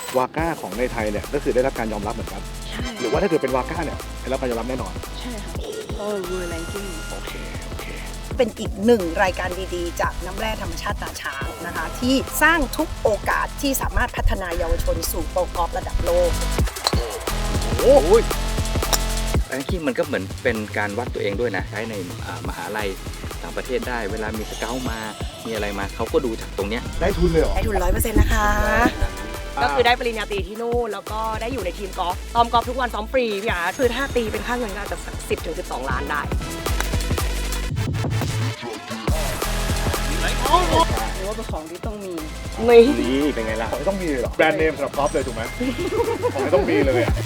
วาก้าของในไทยเนี่ยก็คือได้รับการยอมรับเหมือนกันหรือว่าถ้าเกิดเป็นวาก้าเนี่ยได้รับการยอมรับแน่นอนใช่ค่ะเพราะว่า World Ranking โอเคเป็นอีกหนึ่งรายการดีๆจากน้ำแร่ธรรมชาติตาช้างนะคะที่สร้างทุกโอกาสที่สามารถพัฒนายาวชนสู่โปรกอล์ฟระดับโลกโอ้ยแรงกิ้งมันก็เหมือนเป็นการวัดตัวเองด้วยนะใช้ในมหาลัยต่างประเทศได้เวลามีสเกลมามีอะไรมาเขาก็ดูจากตรงเนี้ยได้ทุนเลยเหรอได้ทุน 100% นะคะก็คือได้ปริญญาตรีที่นู่นแล้วก็ได้อยู่ในทีมกอล์ฟซ้อมกอล์ฟทุกวันซ้อมฟรีพี่อาร์คือถ้าตีเป็นค่าเงินก็อาจจะ10 ถึง 12 ล้านได้หรือว่าเป็นของที่ต้องมีนี่เป็นไงล่ะของต้องมีเหรอแบรนด์เนมสำหรับกอล์ฟเลยถูกไหมของต้องมีเลยอ่ะ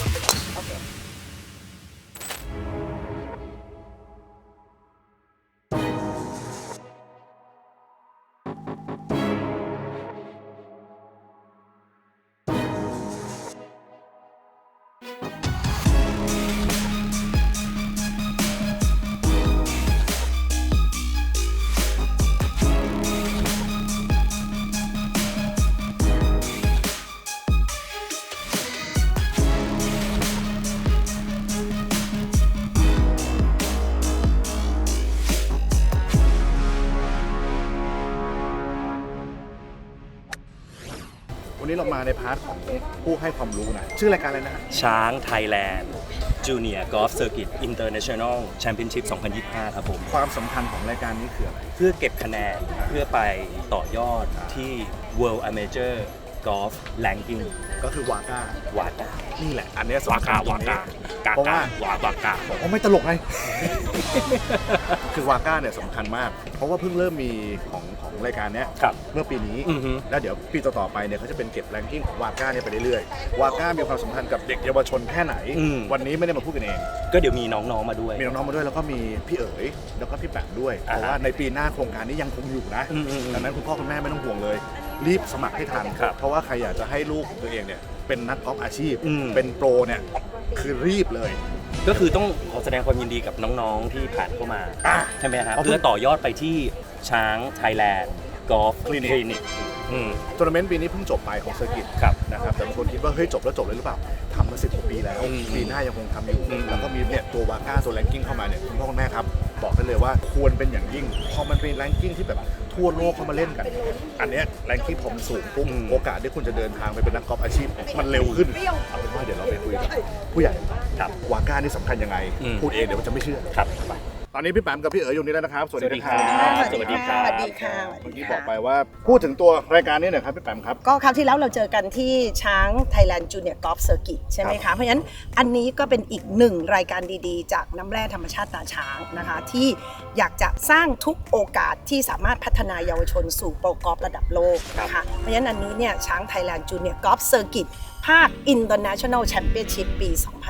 วันนี้เรามาในพาร์ทของผู้ให้ความรู้นะชื่อรายการอะไรนะช้างไทยแลนด์จูเนียร์กอล์ฟเซอร์กิตอินเตอร์เนชั่นแนลแชมเปี้ยนชิพ 2025 ครับผมความสำคัญของรายการนี้คืออะไรเพื่อเก็บคะแนนเพื่อไปต่อยอดที่ World Amateur Golf Ranking ก็คือวาก้นี่แหละอันนี้สำคัญเพราะว่าวาก้าบอกว่าไม่ตลกไง คือวาก้าเนี่ยสำคัญมากเพราะว่าเพิ่งเริ่มมีของรายการนี้เมื่อปีนี้แล้วเดี๋ยวปีต่อๆไปเนี่ยเขาจะเป็นเก็บแรงกิ้งของวาก้าเนี่ยไปเรื่อยๆวาก้ามีความสำคัญกับเด็กเยาวชนแค่ไหนวันนี้ไม่ได้มาพูดกันเองก็เดี๋ยวมีน้องๆมาด้วยแล้วก็มีพี่เอ๋ยแล้วก็พี่แปมด้วยเพราะว่าในปีหน้าโครงการนี้ยังคงอยู่นะดังนั้นคุณพ่อคุณแม่ไม่ต้องห่วงเลยรีบสมัครให้ทันเพราะว่าใครอยากจะให้ลูกของตัวเองเนี่ยเป็นนักกอล์ฟอาชีพเป็นโปรเนี่ยคือรีบเลยก็คือต้องขอแสดงความยินดีกับน้องๆที่ผ่านเข้ามาใช่ไหมครับเพื่อต่อยอดไปที่ช้างไทยแลนด์กอล์ฟคลินิกทัวร์นาเมนต์ปีนี้เพิ่งจบไปของเซอร์กิตนะครับแต่บางคนคิดว่าเฮ้ยจบเลยหรือเปล่าทำมา10 กว่าปีแล้วปีหน้ายังคงทำอยู่แล้วก็มีเนี่ยตัววาก้าตัวแรงกิ้งเข้ามาเนี่ยคุณพ่อคุณแม่ครับบอกได้เลยว่าควรเป็นอย่างยิ่งพอมันเป็นแรงกิ้งที่แบบทั่วโลกเข้ามาเล่นกันอันเนี้ยแรงกิ้งพอมันสูงปุ๊บโอกาสที่คุณจะเดินทางไปเป็นนักกอล์ฟอาชีพมันเร็วขึ้นเอาเป็นว่าเดี๋ยวเราไปคุยกับผู้ใหญ่วาก้านี่สำคัญยังไงพูดเองเดี๋ยวมันจะไม่เชื่อครับตอนนี้พี่แปมกับพี่เอ๋ยอยู่นี่แล้วนะครับสวัสดีครับสวัสดีค่ะเมื่อกี้บอกไปว่าพูดถึงตัวรายการนี้หน่อยครับพี่แปมครับก็คราวที่แล้วเราเจอกันที่ช้าง Thailand Junior Golf Circuit ใช่ไหมคะเพราะฉะนั้นอันนี้ก็เป็นอีกหนึ่งรายการดีๆจากน้ำแร่ธรรมชาติตาช้างนะคะที่อยากจะสร้างทุกโอกาสที่สามารถพัฒนายาวชนสู่โปรกอล์ฟระดับโลกนะคะเพราะฉะนั้นอันนี้เนี่ยช้าง Thailand Junior Golf Circuit ภาค International Championship ปี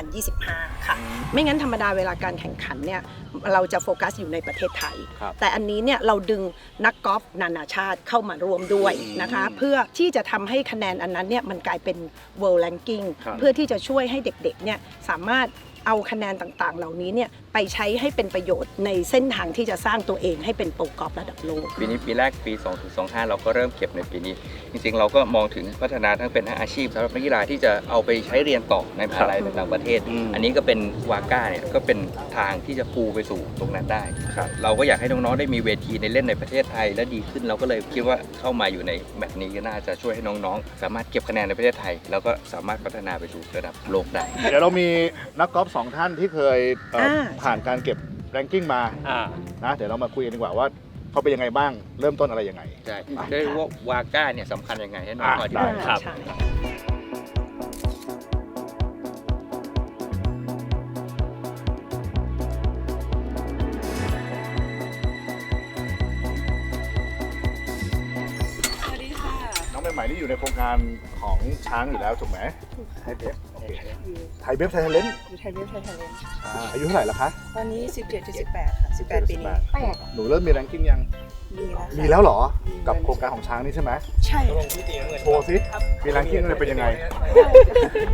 2025 ค่ะไม่งั้นธรรมดาเวลาการแข่งขันเนี่ยเราจะโฟกัสอยู่ในประเทศไทยแต่อันนี้เนี่ยเราดึงนักกอล์ฟนานาชาติเข้ามาร่วมด้วยนะคะเพื่อที่จะทำให้คะแนนอันนั้นเนี่ยมันกลายเป็น World Ranking เพื่อที่จะช่วยให้เด็กๆเนี่ยสามารถเอาคะแนนต่างๆเหล่านี้เนี่ยไปใช้ให้เป็นประโยชน์ในเส้นทางที่จะสร้างตัวเองให้เป็นโปรกอล์ฟระดับโลกปีนี้ปีแรกปี 2025 เราก็เริ่มเก็บในปีนี้จริงๆเราก็มองถึงพัฒนาทั้งเป็นอาชีพสำหรับนักกีฬาที่จะเอาไปใช้เรียนต่อในมหาลัยต่างประเทศอันนี้ก็เป็นวาก้าเนี่ยก็เป็นทางที่จะปูไปสู่ตรงนั้นได้เราก็อยากให้น้องๆได้มีเวทีในเล่นในประเทศไทยและดีขึ้นเราก็เลยคิดว่าเข้ามาอยู่ในแบบนี้ก็น่าจะช่วยให้น้องๆสามารถเก็บคะแนนในประเทศไทยแล้วก็สามารถพัฒนาไปสู่ระดับโลกได้เดี๋ยวเรามีนักกอล์ฟ2 ท่านที่เคยผ่านการเก็บแรงกิ้งมานะเดี๋ยวเรามาคุยกันดีกว่าว่าเขาเป็นยังไงบ้างเริ่มต้นอะไรยังไงใช่ได้รู้ว่าวาก้าเนี่ยสำคัญยังไงให้น้องอธิบายครับน้องใหม่ๆนี่อยู่ในโครงการของช้างอยู่แล้วถูกไหมไทยเบฟไทยเบฟไทยเลนอยู่ไทยเบฟไทยเลนอายุเท่าไหร่แล้วคะตอนนี้17-18ค่ะ18 ปีนี้หนูเริ่มมีแรงกิ้งยังมีแล้วเหรอกับโครงการของช้างนี่ใช่ไหมใช่โชว์สิมีแรงกิ้งเป็นยังไง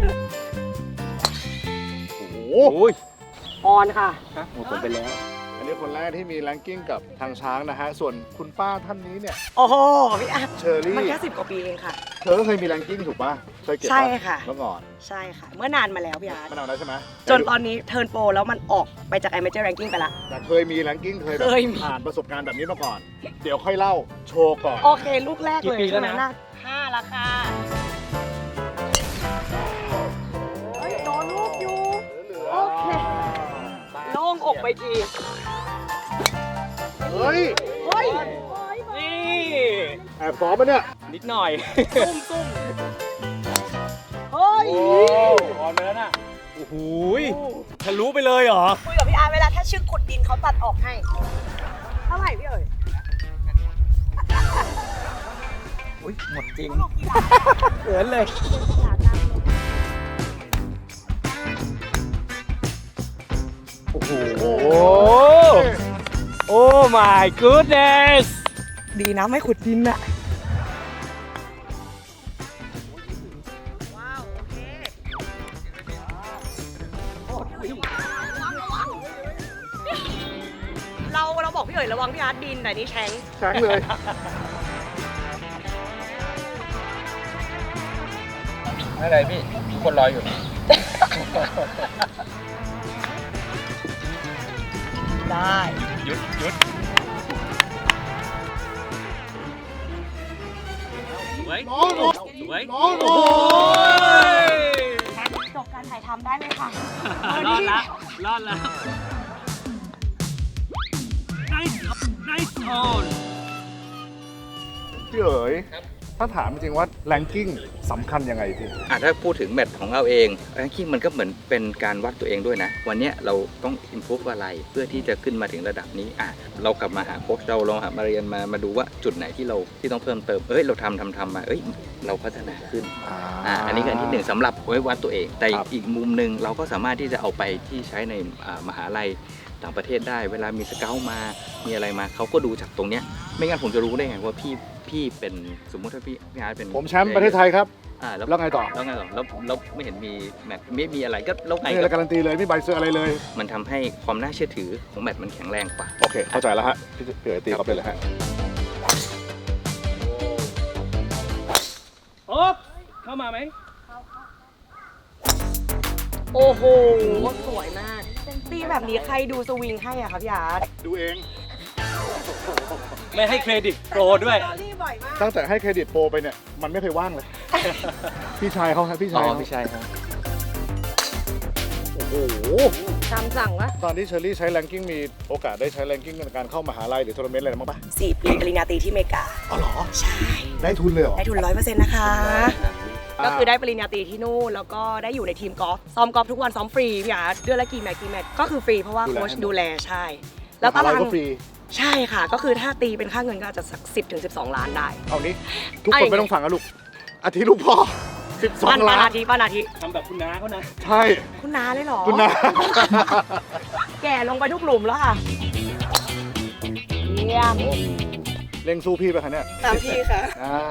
โอ้โหออนค่ะผมไปแล้วอันนี้นี้คนแรกที่มีแรงกิ้งกับทางช้างนะฮะ ส่วนคุณป้าท่านนี้เนี่ยโอ้โหพี่อาร์ตเชอรี่มันแค่10 กว่าปีเองค่ะเธอก็เคยมีแรงกิ้งถูกป่ะ เคยเก็บปใช่ค่ะเมื่อก่อนใช่ค่ะ เมื่อนานมาแล้วพี่อาร์ตมันเอาได้ใช่ไหมจนตอนนี้เทิร์นโปรแล้วมันออกไปจาก Amateur Ranking ไปละแต่เคยมีแรงกิ้งเคยแบบเคยมีผ่านประสบการณ์แบบนี้มาก่อน เดี๋ยวค่อยเล่าโชว์ก่อนโอเค ลูกแรกกี่เลยปีแล้วใช่ไหมนะน่า5ละค่ะเฮ้ยโดนลูกอยู่ โอเค โล่งอกไปทีเฮ้ยเฮ้ยนี่แอบซ้อมปะเนี่ยนิดหน่อยซุ่มเฮ้ยโอ้ออนไปแล้วน่ะโอ้โหยทะลุไปเลยเหรอคุยกับพี่อาร์ตเวลาถ้าชื่อขุดดินเขาตัดออกให้ เท่าไหร่พี่เอ๋ยอุ้ยหมดจริงเขินเลย โอ้โห โอ้ my goodness ดีนะไม่ขุดดินอะว้าว โอเคเราบอกพี่เอ๋ยระวังพี่อาร์ตดินแต่นี่แชงช้างเลยอะไรพี่คนรออยู่ได้หยุดหยุดสวยน้องสวยน้องโอ้ยจบการถ่ายทำได้เลยค่ะรอดละรอดแล้ว nice nice on พี่เอ๋ยถ้าถามจริงๆว่าแรงกิ้งสำคัญยังไงพี่ถ้าพูดถึงแมตช์ของเราเองแรงกิ้งมันก็เหมือนเป็นการวัดตัวเองด้วยนะ วันเนี้ยเราต้องอินพุฟอะไรเพื่อที่จะขึ้นมาถึงระดับนี้เรากลับมาหาโค้ชเราลองหามาเรียนมาดูว่าจุดไหนที่เราที่ต้องเพิ่มเติมเราทำมาเราพัฒนาขึ้นอันนี้คืออันที่หนึ่งสำหรับไว้วัดตัวเอง แต่ครับอีกมุมหนึ่งเราก็สามารถที่จะเอาไปที่ใช้ในมหาลัยต่างประเทศได้ เวลามีสเกลมามีอะไรมาเขาก็ดูจากตรงเนี้ยไม่งั้นผมจะรู้ได้ไงว่าพี่เป็นสมมติถ้าพี่อาร์ตเป็นผมแชมป์ประเทศไทยครับ แล้วไงต่อแล้วไม่เห็นมีแมตช์ไม่มีอะไรก็แล้วไงไม่มีอะไรการันตีเลยไม่มีใบเซอร์อะไรเลยมันทำให้ความน่าเชื่อถือของแมตช์มันแข็งแรงกว่าโอเค เข้าใจแล้วฮะ พี่เอ๋ยตีเขาไปเลยฮะโอ๊บเข้ามาไหมโอ้โห สวยมากตีแบบนี้ใครดูสวิงให้อะคะพี่อาร์ตดูเองไม่ให้เครดิตโปรด้วยตั้งแต่ให้เครดิตโปรไปเนี่ย มันไม่เคยว่างเลย พี่ชายเขาครับพี่ชายเขาไม่ใช่ครับโอ้โหตามสั่งวะตอนที่เชอรี่ใช้แรงกิ้งมีโอกาสได้ใช้แรงกิ้งในการเข้ามหาลัยหรือทัวร์นาเมนต์อะไรบ้างปะ 4 ปีปริญญาตรีที่อเมริกาอ๋อเหรอใช่ได้ทุนเลยเหรอได้ทุน 100% นะคะ ก็คือได้ปริญญาตรีที่นู่นแล้วก็ได้อยู่ในทีมกอล์ฟซ้อมกอล์ฟทุกวันซ้อมฟรีพี่อาร์ตเดือนละกี่แมตช์ก็คือฟรีเพราะว่าโค้ชดูแลใช่ แล้วตารางก็ฟรีใช่ค่ะ ก็คือถ้าตีเป็นค่าเงินก็อาจจะสัก10-12 ล้านได้เอานี้ ทุกคนไม่ต้องฟังนะลูก อาทิตย์ลูกพ่อป้า 12 ล้านนาทีป้านาทีทำแบบคุณน้าเขานะใช่คุณน้าเลยเหรอคุณนะแก่ลงไปทุกหลุมแล้วค่ะเยี่ยมเร่งสู้พี่ไปคะเนี่ยตามพี่ค่ะ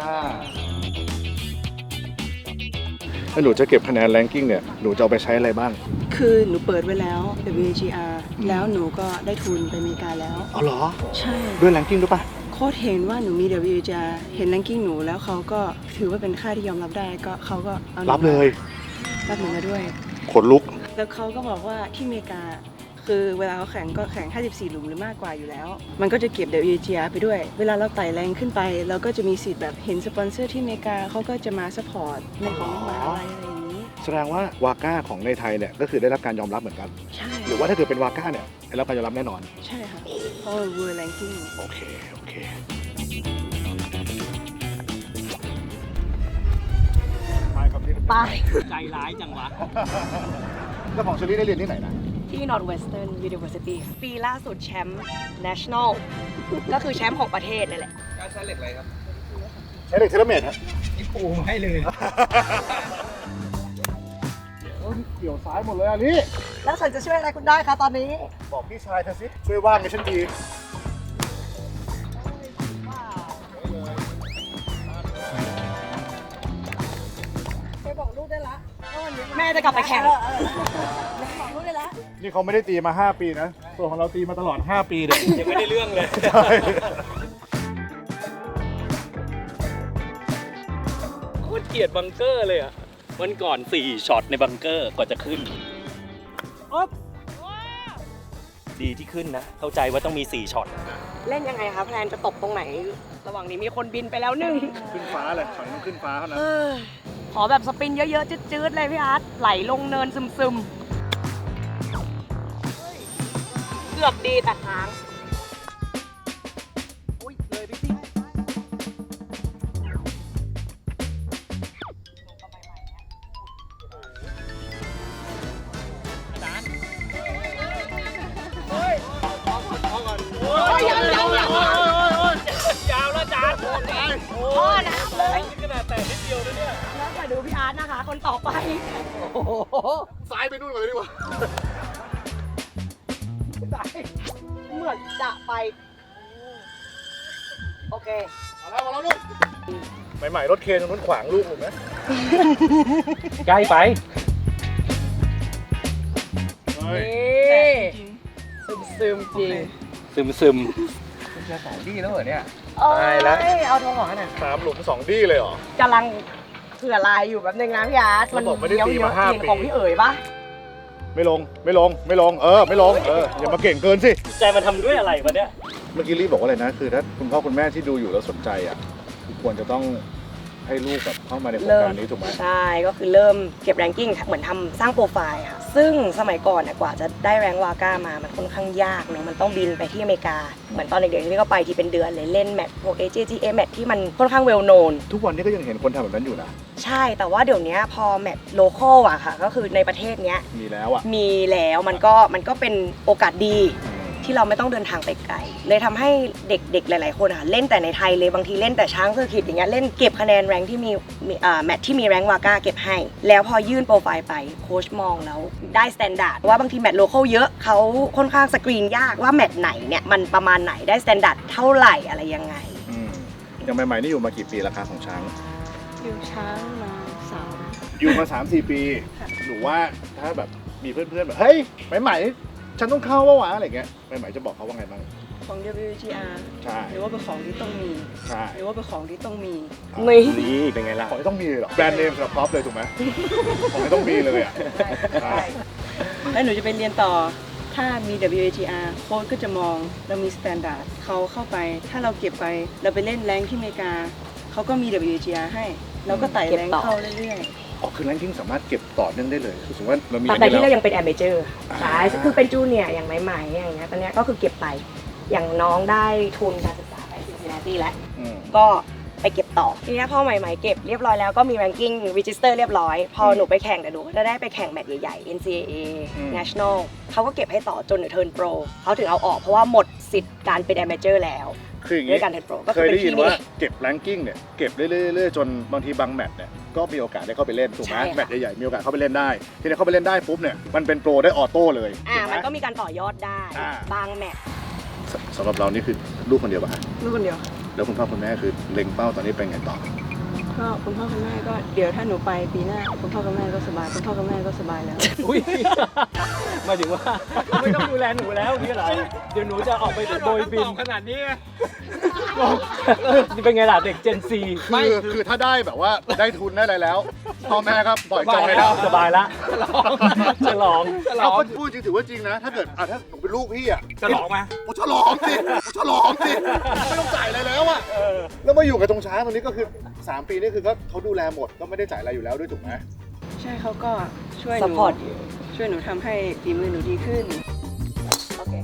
ถ้าหนูจะเก็บคะแนนแรงกิ้งเนี่ย หนูจะเอาไปใช้อะไรบ้างคือหนูเปิดไว้แล้ว WGR แล้วหนูก็ได้ทุนไปอเมริกาแล้วเอาเหรอใช่ด้วยแรงกิ้งด้วยปะโค้ชเห็นว่าหนูมี WGR เห็นแรงกิ้งหนูแล้วเขาก็ถือว่าเป็นค่าที่ยอมรับได้ก็เขาก็เอาหนูรับเลยรับหนูมาด้วยขนลุกแล้วเขาก็บอกว่าที่อเมริกา คือเวลาเขาแข่งก็แข่ง 54 หลุมหรือมากกว่าอยู่แล้ว มันก็จะเก็บ WGR ไปด้วย เวลาเราไต่แรงขึ้นไป เราก็จะมีสิทธิ์แบบเห็นสปอนเซอร์ที่อเมริกาเขาก็จะมาซัพพอร์ตในของมหาลัยอะไรอย่างนี้แสดงว่าวาก้าของในไทยเนี่ยก็คือได้รับการยอมรับเหมือนกันใช่หรือว่าถ้าเกิดเป็นวาก้าเนี่ยได้รับการยอมรับแน่นอนใช่ค่ะเพราะว่า World Ranking โอเค โอเค ไปครับพี่ไปใจร้ายจังวะแล้วของเชอรี่ได้เรียนที่ไหนนะที่ Northwestern University ค่ะปีล่าสุดแชมป์ National ก็คือแชมป์ของประเทศนั่นแหละการใช้เหล็กอะไรครับใช้เหล็กเทเลเมตรครับโอ้ให้เลยเกี่ยวซ้ายหมดเลยอันนี้แล้วฉันจะช่วยอะไรคุณได้คะตอนนี้บอกพี่ชายเธอสิ ช่วยว่างให้ฉันทีแม่จะกลับไปแข่งนี่เขาไม่ได้ตีมา 5 ปีนะส่วนของเราตีมาตลอด 5 ปีเนี่ยยังไม่ได้เรื่องเลยใช่โคตรเกลียดบังเกอร์เลยอ่ะวันก่อน4ช็อตในบังเกอร์กว่าจะขึ้นดีที่ขึ้นนะ เข้าใจว่าต้องมี4ช็อตเล่นยังไงคะแพลนจะตบตรงไหน ระหว่างนี้มีคนบินไปแล้วหนึ่งขึ้นฟ้าเลยฝั่งต้องขึ้นฟ้าเท่านั้นขอแบบสปินเยอะๆ จืดๆ เลยพี่อาร์ตไหลลงเนินซึมๆ เกือบดีแต่ค้างอุ้ยเลยพี่พี่ยังยาวแล้วจานพ่อน้ำเลยขนาดแต่นิดเดียวนะเนี่ยแล้วมาดูพี่อาร์ตนะคะ คนต่อไปซ้ายไปนู่นก่อนเลยดีกว่าเหมือนจะไป โอเคมาแล้วลูกใหม่ๆรถเคนตรงนู้นขวางลูกผมนะใกล้ไปเฮ้ยซึมจริงซึมคุณจะ2ดีแล้วเหรอเนี่ยตายแล้วเอาโทรของหน่อย 3 หลุม 2 ดี้เลยเหรอกำลังเผื่อลายอยู่แบบนึงนะพี่อาร์ตแล้วบอกไม่ได้ตีมา5 เยอะๆของพี่เอ๋ยปะไม่ลง ไม่ลง ไม่ลง ไม่ลง อย่ามาเก่งเกินสิใจมันทำด้วยอะไรวะเนี่ยเมื่อกี้รีบบอกว่าอะไรนะ คือถ้าคุณพ่อคุณแม่ที่ดูอยู่แล้วสนใจอ่ะคือควรจะต้องให้ลูกแบบเข้ามาในโครงการนี้ถูกไหมใช่ ก็คือเริ่มเก็บแรงกิ้งเหมือนทำสร้างโปรไฟล์ค่ะ ซึ่งสมัยก่อนเนี่ยกว่าจะได้แรงวาก้ามา มันค่อนข้างยากเนอะมันต้องบินไปที่อเมริกา เหมือนตอนเด็กๆที่ก็ไปที่เป็นเดือนเลยเล่นแมตช์พวก AJGA แมตช์ที่มันค่อนข้างเวลโนนทุกวันนี้ก็ยังเห็นคนทำแบบนั้นอยู่นะใช่ แต่ว่าเดี๋ยวนี้พอแมตช์โลคอลอะค่ะ ก็คือในประเทศเนี้ยมีแล้วอ่ะมีแล้วมันก็เป็นโอกาสดีที่เราไม่ต้องเดินทางไปไกลเลยทำให้เด็กๆหลายๆคนอะเล่นแต่ในไทยเลยบางทีเล่นแต่ช้างเซอร์กิตอย่างเงี้ยเล่นเก็บคะแนนแรงที่มีแมตช์ที่มีแรงวาก้าเก็บให้ แล้วพอยื่นโปรไฟล์ไปโค้ชมองแล้วได้สแตนดาร์ดว่าบางทีแมตช์โลคอลเยอะเขาค่อนข้างสกรีนยากว่าแมตช์ไหนเนี่ยมันประมาณไหนได้สแตนดาร์ดเท่าไหร่อะไรยังไงอย่างใหม่ๆนี่อยู่มากี่ปีราคาของช้างอยู่ช้างมาอยู่มา 3-4 ปี หรือว่าถ้าแบบมีเพื่อนๆแบบเฮ้ยใหม่ๆฉันต้องเข้าวะอะไรเงี้ยใหม่ๆจะบอกเขาว่าไงบ้างของ WGR ใช่หรือว่าเป็นของที่ต้องมีใช่หรือว่าเป็นของที่ต้องมีนี่นี่เป็นไงล่ะของที่ต้องมีเลยเหรอแบรนด์เนมสำหรับพ็อปเลยถูกไหมของที่ต้องมีเลยอ่ะใช่แล้วหนูจะไปเรียนต่อ ถ้ามี WGR โค้ชก็จะมองเรามีสแตนดาร์ดเขาเข้าไป ถ้าเราเก็บไปเราไปเล่นแรงที่อเมริกาเขาก็มี WGR ให้ เราก็ไต่แรงเข้าเรื่อยๆอ๋อคือแรงกิ้งสามารถเก็บต่อเนื่องได้เลยคือสมมติว่าเรามีแต่ที่แล้เราวยังเป็นแอมเบเจอร์ใช่คือเป็นจูเนียร์อย่างใหม่ๆอย่างเงี้ยตอนเนี้ยก็คือเก็บไปอย่างน้องได้ทุนการศึกษาไปซินซินนาตี้แล้ว ก็ไปเก็บต่อทีนี้พอใหม่ๆเก็บเรียบร้อยแล้วก็มี ranking register เรียบร้อย พอหนูไปแข่งแต่หนูก็จะได้ไปแข่งแมตช์ใหญ่ๆ NCAA National เขาก็เก็บให้ต่อจนหนูเทิร์นโปรเขาถึงเอาออกเพราะว่าหมดสิทธิ์การเป็น amateur แล้วคืออย่างด้นี้วยการเทิร์นโปรก็เคคือย เป็นได้ยิที่นนี่ว่าเก็บแรงกิ้งเนี่ยเก็บเรื่อยๆจนบางทีบางแมตช์เนี่ยก็มีโอกาสได้เข้าไปเล่นถูกไหมใช่ค่ะแมตช์ใหญ่ๆมีโอกาสเข้าไปเล่นได้ทีนี้เข้าไปเล่นได้ปุ๊บเนี่ยมันเป็นโปรได้ออโต้เลยถูกไหมันก็มีการต่อยอดได้ บางแมตช์สำหรับเรานี่คือลูกคนเดียวป่ะฮะลูกคนเดียวแล้วคุณพ่อคุณแม่คือเล็งเป้าตอนนี้เป็นไงต่อก็คุณพ่อคุณแม่ก็เดี๋ยวถ้าหนูไปปีหน้าคุณพ่อคุณแม่ก็สบายคุณพ่อคุณแม่ก็สบายแล้วอุ้ยหมายถึงว่าไม่ต้องดูแลหนูแล้วนี่เหรอเดี๋ยวหนูจะออกไปโดยบินขนาดนี้นี่เป็นไงล่ะเด็ก Gen Z คือถ้าได้แบบว่าได้ทุนได้อะไรแล้วพ่อแม่ครับปล่อยจอยแล้วสบายละฉลองเราก็พูดจริงถือว่าจริงนะถ้าเกิดถ้าหนูเป็นลูกพี่อ่ะฉลองมากูฉลองสิกูฉลองสิไม่ต้องจ่ายอะไรแล้วอ่ะแล้วมาอยู่กับตรงช้างตรงนี้ก็คือ3 ปีนี่คือก็เขาดูแลหมดก็ไม่ได้จ่ายอะไรอยู่แล้วด้วยถูกไหมใช่เขาก็ช่วยหนู support ช่วยหนูทำให้ฝีมือหนูดีขึ้นโอเค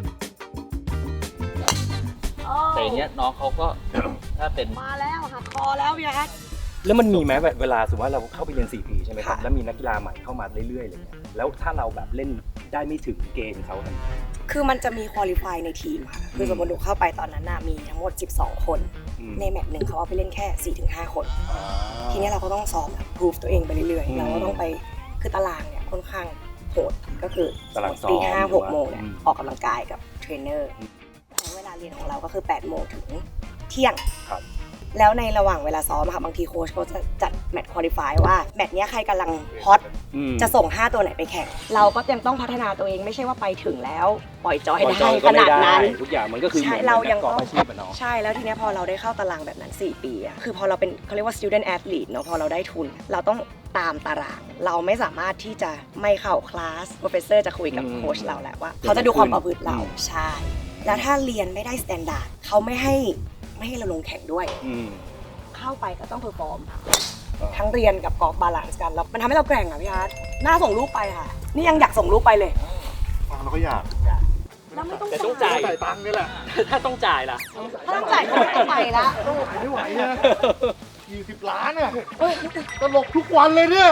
แต่อย่างเงี้ยน้องเขาก็ ถ้าเป็นมาแล้วหักคอแล้วพี่อาร์ตแล้วมันมีไหมเวลาสมมติว่าเราเข้าไปเรียน 4 ปีใช่ไหมครับค่ะแล้วมีนักกีฬาใหม่เข้ามาเรื่อยๆอะไรเงี้ยแล้วถ้าเราแบบเล่นได้ไม่ถึงเกณฑ์เขาทันทีคือมันจะมีคุริฟายในทีมค่ะ คือสมมติหนูเข้าไปตอนนั้นน่ะมีทั้งหมด 12 คน ในแมตช์หนึ่งเขาเอาไปเล่นแค่ 4-5 คน ทีนี้เราก็ต้องซ้อมแบบพิสูจตัวเองไปเรื่อยๆ เราก็ต้องไปคือตารางเนี่ยค่อนข้างโหดก็คือตารางซ้อมตี5-6 โมงเนี่ยอืมออกกำลังกายกับเทรนเนอร์ใช้เวลาเรียนของเราก็คือ8 โมงถึงเที่ยงครับแล้วในระหว่างเวลาซ้อมค่ะบางทีโค้ชเขาจะจัดแมตช์ควอลิฟายว่าแมตช์เนี้ยใครกำลังฮอตจะส่ง 5 ตัวไหนไปแข่ง เราก็ยังต้องพัฒนาตัวเองไม่ใช่ว่าไปถึงแล้วปล่อยจอยได้ขนาดนั้นทุกอย่างมันก็คือใช่เรายังกอต้องล์ฟอาชีพอะเนาะใช่แล้วทีเนี้ยพอเราได้เข้าตารางแบบนั้น 4 ปีอะคือพอเราเป็นเขาเรียกว่า student athlete เนาะพอเราได้ทุน เราต้องตามตาราง เราไม่สามารถที่จะไม่เข้าคลาส professor จะคุยกับโค้ชเราแหละว่าเขาจะดูความประพฤติเราใช่แล้วถ้าเรียนไม่ได้ standard เขาไม่ให้เราลงแข่งด้วย เข้าไปก็ต้องเพอร์ฟอร์มทั้งเรียนกับกอล์ฟบาลานซ์กันแล้วมันทำให้เราแกร่งอ่ะพี่อาร์ตน่าส่งลูกไปค่ะ นี่ยังอยากส่งลูกไปเลยฟังเราก็อยากแล้วไม่ต้องแต่ต้องจ่ายจ่ายตังค์นี่แหละถ้าต้องจ่ายล่ะถ้าต้องจ่ายก็ไม่ต้องไปละลูกไม่ไหวเนี่ย20 ล้านเนี่ยตลกทุกวันเลยเนี่ย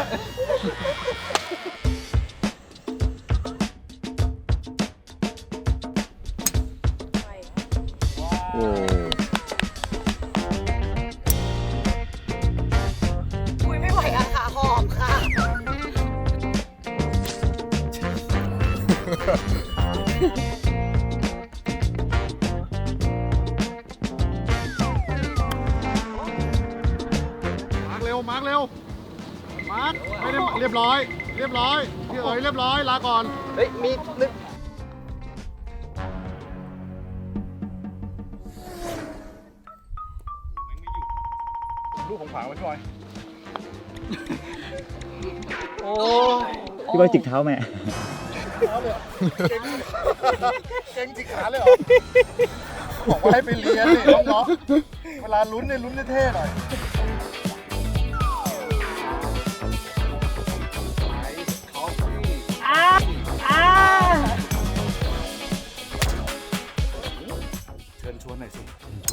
คุยไม่ไหวอะค่ะหอมค่ะมาร์กเร็ว มาร์กเร็ว มาร์กไม่ได้เรียบร้อย เรียบร้อย พี่เอ๋ยเรียบร้อย ลาก่อนเฮ้ยมีนึกลูกของผางไว้พี่บอยพี่บอยจิกเท้าแม่เก่งจิกขาเลยเหรอ บอกว่าให้ไปเรียนนี่น้องๆเวลาลุ้นเนี่ยลุ้นเท่ๆหน่อย เชิญชวนหน่อยสิ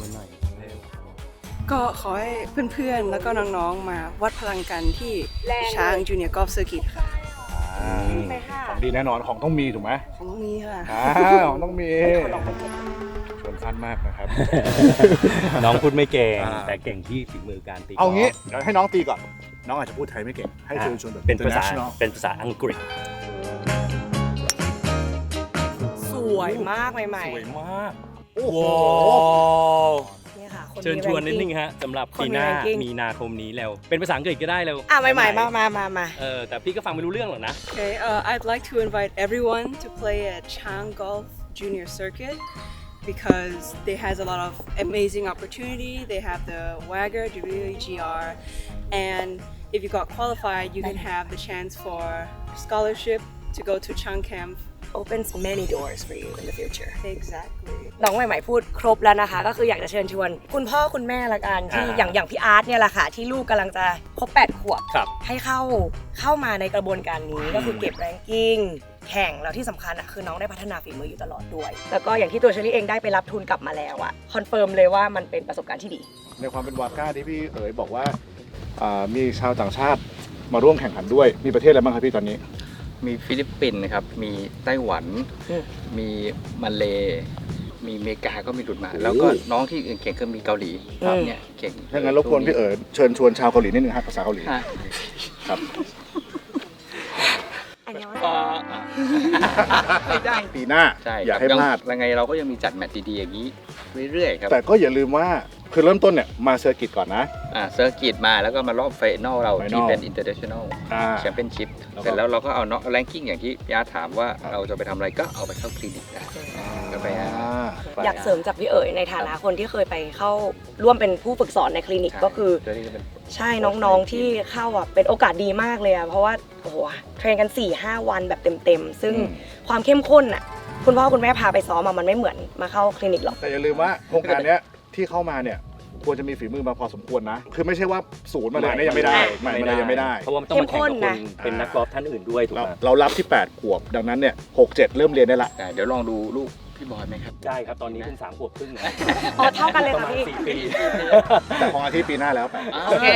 ก็ขอให้เพื่อนๆ แล้วก็น้องๆ มาวัดพลังกันที่ช้างจูเนียร์กอล์ฟเซอร์กิตค่ะของดีแน่นอนของต้องมีถูกไหมของตรงนี้ค่ะของต้องมีชวนสั้นมากนะครับน้องพูดไม่เก่งอ่าแต่เก่งที่ฝีมือการตีเอางี้กล์ฟเดี๋ยวให้น้องตีก่อน น้องอาจจะพูดไทยไม่เก่ง ให้เชิญชวนแบบเป็นภาษา international เป็นภาษาอังกฤษสวยมากใหม่สวยมากโอ้โหๆนี่ค่ะคนเชิญชวนนิดนึงฮะสำหรับปีหน้าคนมี ranking มีนาคมนี้แล้ว เป็นภาษาอังกฤษก็ได้แล้วอ่ะใหม่ๆมาแต่พี่ก็ฟังไม่รู้เรื่องหรอกนะ Okay, I'd like to invite everyone to play at Chang Golf Junior Circuit because they has a lot of amazing opportunity. They have the WAGR, WAGR, and if you got qualified, you can have the chance for scholarship to go to Chang Camp. opens many doors for you in the future Exactly. น้องใหม่ๆพูดครบแล้วนะคะ ก็คืออยากจะเชิญชวนคุณพ่อคุณแม่ละกันที่อ่าอย่างพี่อาร์ตเนี่ยแหละค่ะ ที่ลูกกำลังจะครบ8 ขวบครับให้เข้ามาในกระบวนการนี้ก็คือเก็บแรงกิ้งแข่งแล้วที่สำคัญอ่ะคือน้องได้พัฒนาฝีมืออยู่ตลอดด้วย แล้วก็อย่างที่ตัวเชอรี่เองได้ไปรับทุนกลับมาแล้วอ่ะคอนเฟิร์มเลยว่ามันเป็นประสบการณ์ที่ดีในความเป็นวาก้าที่พี่เอ๋ยบอกว่ามีชาวต่างชาติมาร่วมแข่งขันด้วย มีประเทศอะไรบ้างครับพี่ตอนนี้มีฟิลิปปินส์นะครับ มีไต้หวันอืมมีมาเลมีอเมริกาก็มีหลุดมา แล้วก็น้องที่อื่นเก่งก็มีเกาหลีเนี่ยเก่งถ้างั้นรบกวนพี่เอ๋ยเชิญชวนชาวเกาหลีนิดนึงครับภาษาเกาหลีฮะครับอันนี้ไม่ได้ปีหน้าใช่อย่าให้พลาดยังไงเราก็ยังมีจัดแมตช์ดีๆอย่างนี้เรื่อยๆครับแต่ก็อย่าลืมว่าคือเริ่มต้นเนี่ยมาเซอร์กิตก่อนนะเซอร์กิตมาแล้วก็มารอบไฟนอลเรา Final ที่เป็น international อ่าแชมเปี้ยนชิพแล้วก็เสร็จแล้วเราก็เอาเนาะแรงกิ้งอย่างที่พี่อาร์ตถามว่าเราจะไปทำอะไรก็เอาไปเข้าคลินิกได้ก็ไปอยากเสริมจากพี่เอ๋ยในฐานะคนที่เคยไปเข้าร่วมเป็นผู้ฝึกสอนในคลินิกก็คือเดี๋ยวนี้จะเป็นใช่น้องๆที่เข้าอ่ะเป็นโอกาสดีมากเลยอ่ะเพราะว่าโอ้โหเทรนกัน 4-5 วันแบบเต็มๆซึ่งความเข้มข้นอ่ะคุณพ่อคุณแม่พาไปซ้อมมันไม่เหมือนมาเข้าคลินิกหรอกแต่อย่าลืมว่าโครงการเนี้ยที่เข้ามาเนี่ยควรจะมีฝีมือมาพอสมควรนะ คือไม่ใช่ว่าศูนย์มาเลยเนี่ยยังไม่ได้ไม่เลยยังไม่ได้เพราะว่ามันต้องมาแข่งกับคนเป็นนักกอล์ฟท่านอื่นด้วยถูกเราไหมเรารับที่ 8 ขวบ ดังนั้นเนี่ย6-7 เริ่มเรียนได้ละเดี๋ยวลองดูลูกพี่บอยไหมครับได้ครับตอนนี้เพิ่ง3 ขวบครึ่งนะอ๋อเท่ากันเลยประค่ะมาณพี่ 4 ปีแต่ของอาทิตย์ปีหน้าแล้วไปโอเค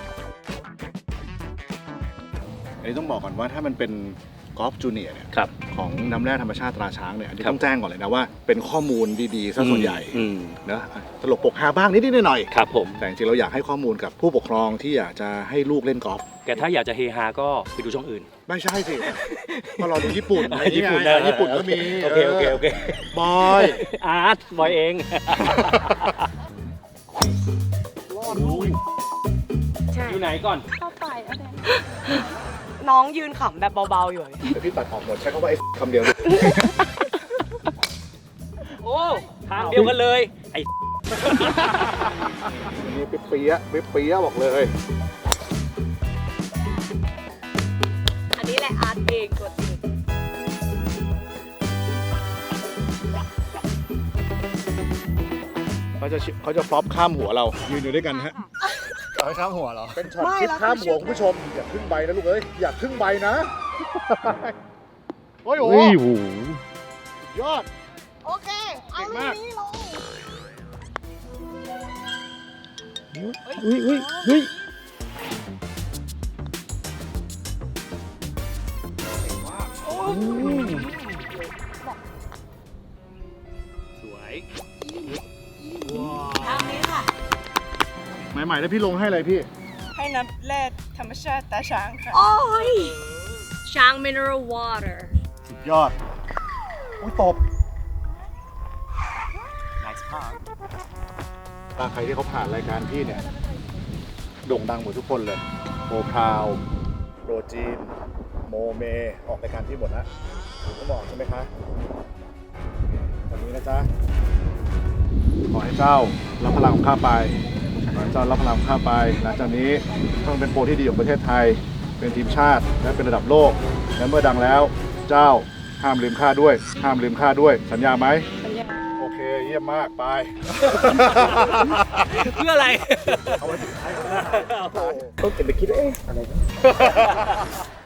อันนี้ต้องบอกก่อนว่าถ้ามันเป็นกอล์ฟจูเนียร์เนี่ยครับขของน้ำแร่ธรรมชาติตราช้างเนี่ยอันนี้ครับต้องแจ้งก่อนเลยนะว่าเป็นข้อมูลดีๆซะส่วนใหญ่อืมนะตลกปกฮาบ้างนิดๆหน่อยครับผมๆแต่จริงๆเราอยากให้ข้อมูลกับผู้ปกครองที่อยากจะให้ลูกเล่นกอล์ฟแต่ถ้าอยากจะเฮฮาก็ไปดูช่องอื่นไม่ใช่สิก็รอดูญี่ปุ่นอะไรญี่ปุ่นไงญี่ปุ่นก็มีโอเคโอเคโอเคบอยอาร์ตบอยเองใช่อยู่ไหนก่อนน้องยืนขำแบบเบาๆอยู่เดี๋ยวพี่ตัดออกหมดใช้คำว่าไอ้คำเดียวโอ้ทางเดียวกันเลย ไอ้อันนี้เปี๊ยะเปี๊ยะบอกเลยอันนี้แหละอาร์ตเองตัวจริงเขาจะฟลอปข้ามหัวเรายืนอยู่ด้วยกันฮะเอาข้ามหัวเหรอเป็นช็อตคลิปข้ามหัวคุณผู้ชมอย่าครึ่งใบนะลูกเอ้ยอย่าครึ่งใบนะโอ้ยโหยอดโอเคเก่งมากสวยทางนี้ค่ะใหม่ๆแล้วพี่ลงให้อะไรพี่ให้น้ำแร่ธรรมชาติตาช้างค่ะโอ้ย ช้าง mineral water สุดยอดโอ้ยตบ nice park ตาใครที่เขาผ่านรายการพี่เนี่ยโด่งดังหมดทุกคนเลยโมพราวโรจีนโมเมออกรายการพี่หมดนะผมก็บอกใช่ไหมคะวันนี้นะจ๊ะขอให้เจ้ารับพลังของข้าไปขอให้เจ้ารับพลังของข้าไปหลังจากนี้ต้องเป็นโปรที่ดีของประเทศไทยเป็นทีมชาติและเป็นระดับโลกและเมื่อดังแล้วเจ้าห้ามลืมข้าด้วยห้ามลืมข้าด้วยสัญญาไหมสัญญาโอเคเยี่ยมมากไปเพื่ออะไรเอาไว้สุดท้ายต้องเก็บไปคิดเอ๊ะอะไร